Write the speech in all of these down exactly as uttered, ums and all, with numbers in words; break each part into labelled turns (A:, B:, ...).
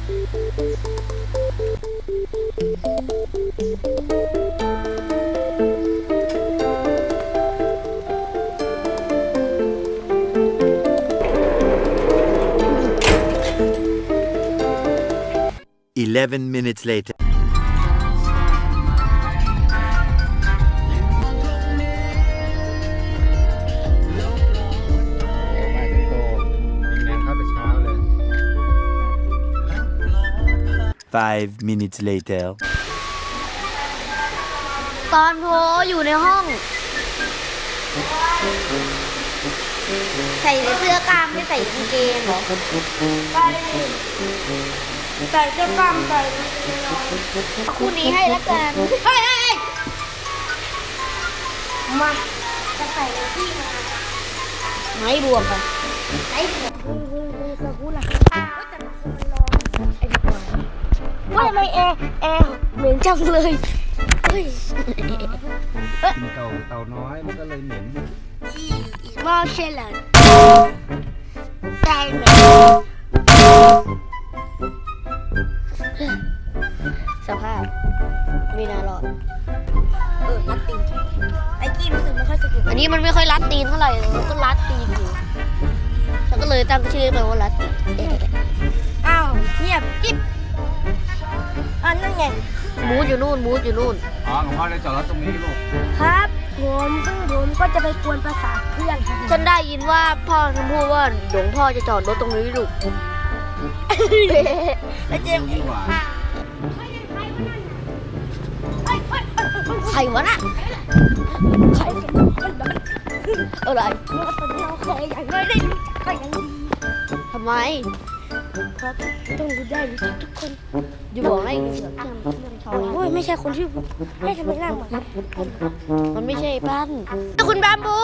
A: Eleven minutes later.
B: มาถึงโตมีงานเข้าแต่เช้าเลย
A: Five minutes later.
C: ตอนโพอยู่ในห้องใส่เสื้อกล้ามไม่ใส่กางเกงเหรอใส่ใส่เสื้อกล้ามใส่คู่นี้ให้ละกันเฮ้ยมาจะใส่ที่มาไม่บวมค่ะไม่บวมจะพูดละแต่มันร้อนไอ้ดีกว่าว่าทำไมแอร์แอร์เหม็นจังเลยเฮ้ย
B: กินเต่าเต่าน้อยมันก็เลยเหม็น
C: มอเชลล์ได้ไหมสภาพไม่น่ารอดเออรัดตีนไอ้กี้รู้สึกไม่ค่อยสะดวกอันนี้มันไม่ค่อยรัดตีนเท่าไหร่มันก็รัดตีนอยู่ฉันก็เลยตั้งชื่อมันว่ารัดตีนอ้าวเงียบกิ๊บอันนั่นไงมูดอยู่นู่นมูดอยู่นู่น
B: อ๋อหลวงพ่อเลยจอดรถตรงนี้ลูก
C: ครับผมซึ่งผมก็จะไปกวนประสาทเพื่อนครับฉันได้ยินว่าพ่อฉันพูดว่าหลวงพ่อจะจอดรถตรงนี้ลูกแล้วเจมส์ใครวะน่ะใครอะไรเราเคยอย่างน้อยได้รู้จักกันอย่างดีทำไมครับต้องรู้ได้รู้จักทุกคนอยู่บอกให้เสือกจำเรื่องชอยโอ้ยไม่ใช่คนที่ไม่ทำไมหน้าเหมือนมันไม่ใช่ปั้นคุณบามบู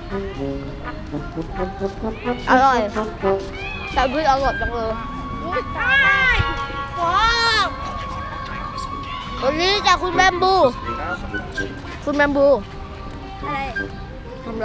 C: อร่อยแต่พืชอร่อยจังเลยตายว้าววันนี้จากคุณแบมบูคุณแบมบูอะไรทำอะไร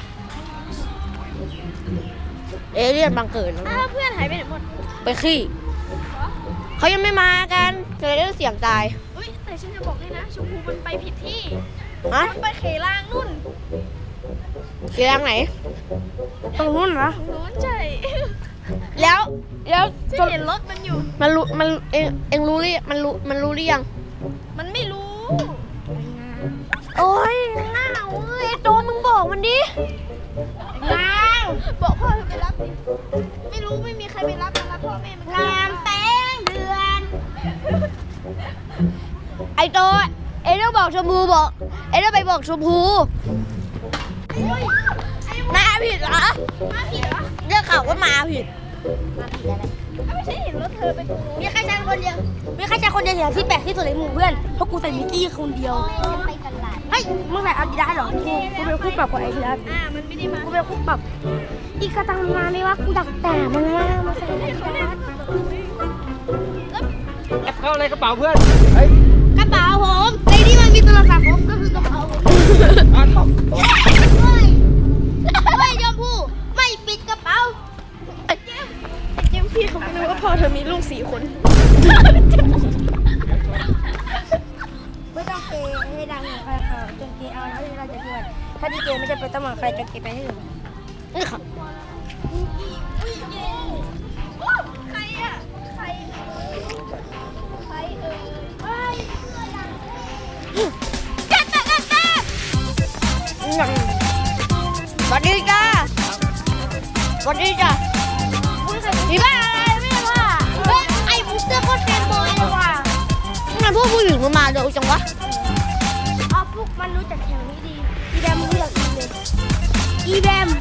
C: เอเลี่ยนบังเกิดแล้วเพื่อนหายไปไหนหมดไปขี้เขายังไม่มากันจะได้เสียงตายอุ้ยแต่ฉันจะบอกด้วยนะชมพูมันไปผิดที่มันไปเขลางนู่นเขลางไหนตรงนู้นเหรอตรงนู้นใช่แล้วแล้วจะเห็นรถมันอยู่มันรู้มันเองเองรู้หรือมันรู้มันรู้หรือยังมันไม่รู้โอ้ยน้าวเอ้ยโตมึงบอกมันดิน้าวบอกพ่อไปรับดิไม่รู้ไม่มีใครไปรับมารับพ่อแม่มันงามแป้งเดือนไอโตเอ็งต้องบอกชมพูบอกเอ็งต้องไปบอกชมพูมาผิดเหรอมาผิดเหรอเรื่องข่าวว่ามาผิดมาผิดอะไรไม่ใช่เห็นรถเธอไปตรงนู้นมีใครใช้คนเดียวมีใครใช้คนเดียวที่แปลกที่สุดในหมู่เพื่อนเพราะกูใส่มิกกี้คนเดียวไปกันหลายเฮ้ยมึงใส่อาดิดาสเหรอกูกูเป็นคู่ปรับกับไอ้ดิดาสอ่ามันไม่ได้มากูเป็นคู่ปรับอีกกระตังมาไม่ว่ากูดักแต่มันมามาใส่ไอ้ดิดาส
B: แอบเข้าอะไรกระเป๋าเพื่อนเฮ้ย
C: กระเป๋าผมในนี้มันมีโทรศัพท์ผมก็คือกระเป๋าผม
B: อ้าว
C: ไม่ไม่ยอมพูดไม่ปิดกระเป๋าเจมพี่เขาไม่รู้ว่าพ่อเธอมีลูกสี่คนไม่ต้องเกย์ให้ดังใครค่ะจนเกย์เอาแล้วเราจะด้วยถ้าดีเกย์ไม่จะไปต้องมาใครจะเกย์ไปให้ถึงนี่ค่ะใครอ่ะใครใครเออเฮ้ยจัดจัดจัดจัดสวัสดีจ้าสวัสดีจ้ามีบ้าอะไรไม่รู้ว่าเฮ้ยไอ้บุ๊กเตอร์ก็เต็มเลยว่ะงั้นพวกผู้หญิงมันมาเร็วจังวะอ๋อพวกมันรู้จักแถวนี้ดีอีแบมรู้จักอีเลยอีแบม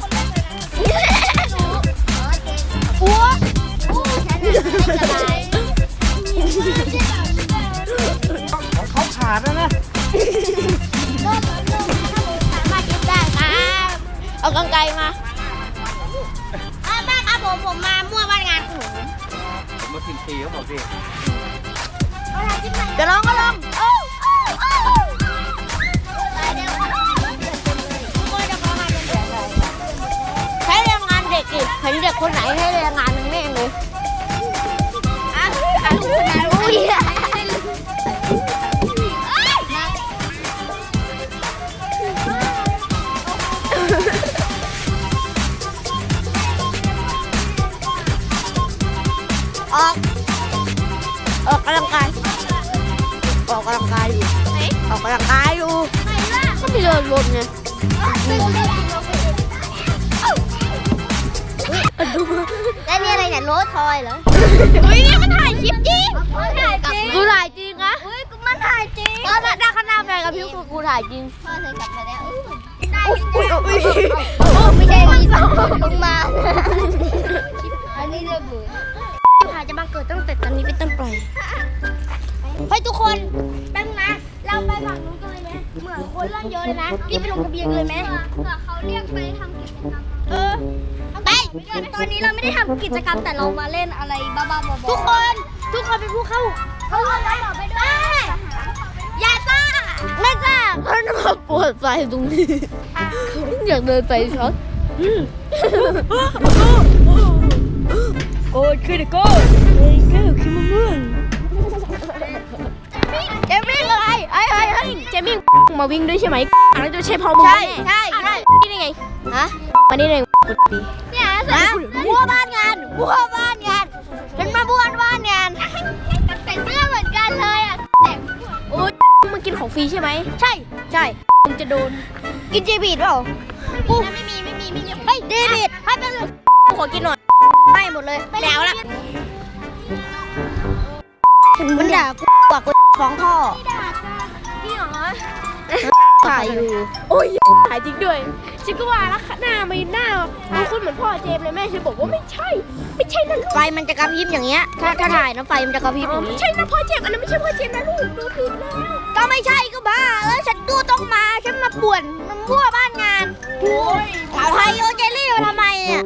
C: โอ้โหฉันอะไร
B: เขาขาดแล้วนะ
C: ก็ถ้าผมสามารถเก็บได้ครับเอากางไกรมาแม่ครับผมผมมามั่วบ้านงานของผม
B: ผมมากินฟรีเขาบอกดิ
C: จะร้องก็ร้องโอ้โอ้โอ้ใช้แรงงานเด็กอีกเห็นเด็กคนไหนให้แรงงานมันแม่งเลยออกออกกำลังกายออกกำลังกายอยู่ออกกำลังกายอยู่ก็มีเดินวนไงแล้วนี่อะไรเนี่ยโรสทอยเหรอเฮ้ยนี่มันถ่ายคลิปจริงถ่ายจริงกูถ่ายจริงนะเฮ้ยมันถ่ายจริงก็ได้ขนาดไหนกับพี่กูกูถ่ายจริงพ่อเธอกลับมาแล้วอุ้ยอุ้ยอุ้ยไม่ใช่มีสองมึงมาอันนี้เรื่องบุญถ่ายจะมาเกิดตั้งแต่ตอนนี้เป็นต้นไปเฮ้ยทุกคนแป๊บนะเราไปฝั่งนู้นกันเลยไหมเหมือนคนเริ่มเยอะเลยนะรีบไปลงทะเบียนเลยไหมเผื่อเขาเรียกไปทำกิจกรรมเออไปตอนนี้เราไม่ได้ทำกิจกรรมแต่เรามาเล่นอะไรบ้าๆบอๆทุกคนทุกคนเป็นผู้เข้าเข้าไปต่อไปด้วยอย่าซ่าไม่ซ่าเขาจะมาปวดไฟตรงนี้อยากเดินไปช็อตโกดขึ้นโกดเฮ้ยแก้วคิมเมืองเจมิ่งอะไรไอ้ไอ้ไอ้เจมิ่งมาวิ่งด้วยใช่ไหมอันนั้นจะใช่พอมึงใช่ใช่ใช่นี่ได้ไงฮะมานี่ได้เนี่ยนะบัวบ้านงานบัวบ้านงานเป็นมาบัวบ้านงานใส่เสื้อเหมือนกันเลยอ่ะแต่โอ้ยมึงกินของฟรีใช่ไหมใช่ใช่มึงจะโดนกินเจบีดเปล่ากูไม่มีไม่มีไม่มีเฮ้ยเจบีดให้ไปเลยขอกินหน่อยให้หมดเลยแล้วละมันด่ากูกว่ากูฟ้องพ่อพี่หรอถ่ายอยู่โอ้ยถ่ายจริงด้วยฉันก็ว่าแล้วหน้าไม่หน้าดูคุณเหมือนพ่อเจมเลยแม่ฉันบอกว่าไม่ใช่ไม่ใช่นะลูกไฟมันจะกระพริบอย่างเงี้ยถ้าถ้าถ่ายนะไฟมันจะกระพริบอย่างนี้ไม่ใช่นะพ่อเจมอันนั้นไม่ใช่พ่อเจมนะลูกดูผิดแล้วก็ไม่ใช่ก็บ้าแล้วฉันดูต้องมาฉันมาป่วนมันมั่วบ้านงานโอ้ยเอาไฮโอเจลี่มาทำไมอ่ะ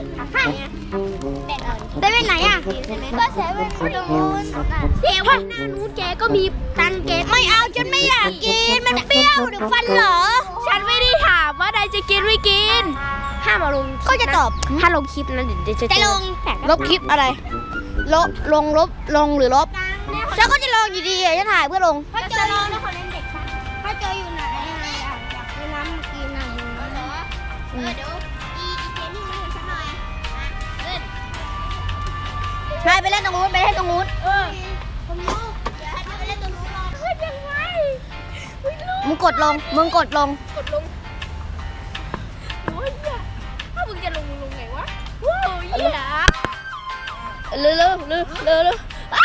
C: เซเว่นไหนอ่ะก็เซเว่นตรงนู้นเซเว่นหน้านู้นแกก็มีตังเกไม่เอาฉันไม่อยากกินมันเปรี้ยวเดี๋ยวฟันเหรอฉันไม่ได้ถามว่าใดจะกินไม่กินห้ามเอาลงก็จะตอบถ้าลงคลิปนั้นเดี๋ยวจะจะลงลบคลิปอะไรลบลงลบลงหรือลบฉันก็จะลงอยู่ดีจะถ่ายเพื่อลงถ้าเจอลงนะคนเล่นเด็กถ้าเจออยู่ไหนอะไรอยากอยากไปน้ำกินหนังเหรอเออเดี๋ยวอีอีเจนี่มาเห็นฉันหน่อยเล่นนายไปเล่นตรงนู้นไปเล่นตรงนู้นเออผมรู้เดี๋ยวให้ไปเล่นตรงนู้นรอเฮ้ยยังไงมึงกดลงมึงกดลงกดลงโอ้ยถ้ามึงจะลงลงไงวะโอ้ยเร็วเร็วเร็วเร็วเร็ว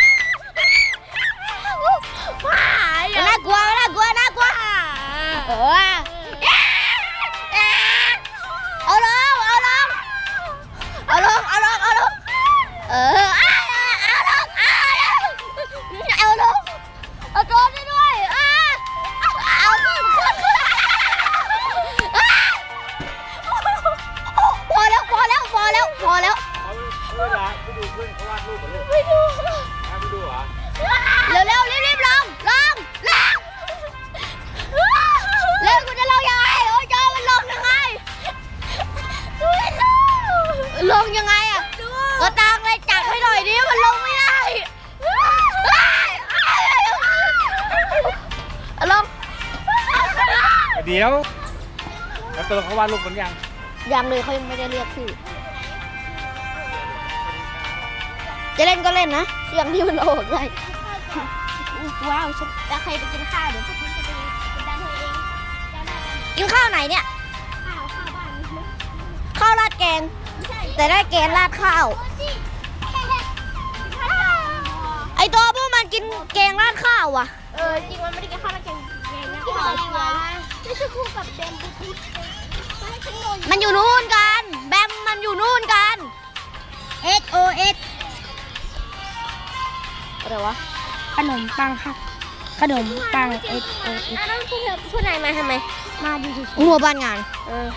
C: น่ากลัวน่ากลัวน่ากลัวเออเอาลงเอาลงเอาลงเอาลงเอาลงเออเอาลงเอาลงเอาตัวนี้ด้วยเอาขึ้นขึ้นขึ้นพอแล้วพอแล้วพอแล้วพอแล้ว
B: เวลาไปดูเพื่อนเขาวาดรูปกันลูก
C: ไม่ดู
B: ไปดูเหรอ
C: เร็วเร็วรีบรีบลงลงลงเร็วกูจะลงยังไงโอ้ยจอมันลงยังไงลงยังไงอ่ะก็ตางเลยจับให้หน่อยดิมันลงไม่ได้ลง
B: เดี๋ยวแล้วตัวเขาวาดรูปกันยัง
C: ยังเลยเขายังไม่ได้เรียกชื่อจะเล่นก็เล่นนะอย่างที่มันโอดได้ว้าวฉันแล้วใครไปกินข้าวเดี๋ยวพวกฉันจะไปกินด้านเธอเองกินข้าวไหนเนี่ยข้าวข้าวบ้านข้าวราดแกงแต่ได้แกงราดข้าวไอตัวพวกมันกินแกงราดข้าวอ่ะเออจริงมันไม่ได้กินข้าวราดแกงแกงราดข้าวอะไรวะไม่ใช่คู่กับแบมบุ๊มันอยู่นู่นกันแบมมันอยู่นู่นกัน X O X อะไรวะขนมปังค่ะขนมปัง X O X อ้าวแล้วคุณคุณนายมาทำไมมาดูสิงัวบ้านงานเออ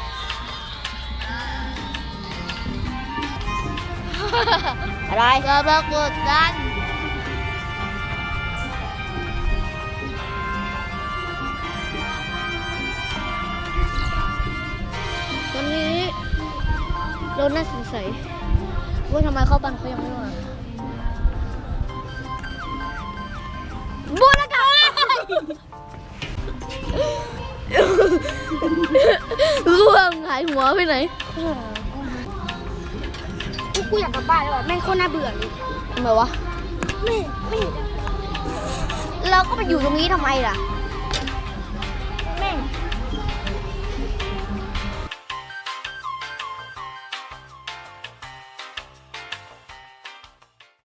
C: อะไรจะมากดดันวันนี้เราน่าสงสัยว่าทำไมเข้าบ้านเขายังไม่มาบูรการ่วงหายหัวไปไหน
D: กูอยากกลับบ้านแล้วอะแม่งโคตรน่าเบื่อเลย
C: ทำไมวะ
D: ไม่ไม่เห็นจะ
C: เราก็ไปอยู่ตรงนี้ทำไมล่ะ
D: เ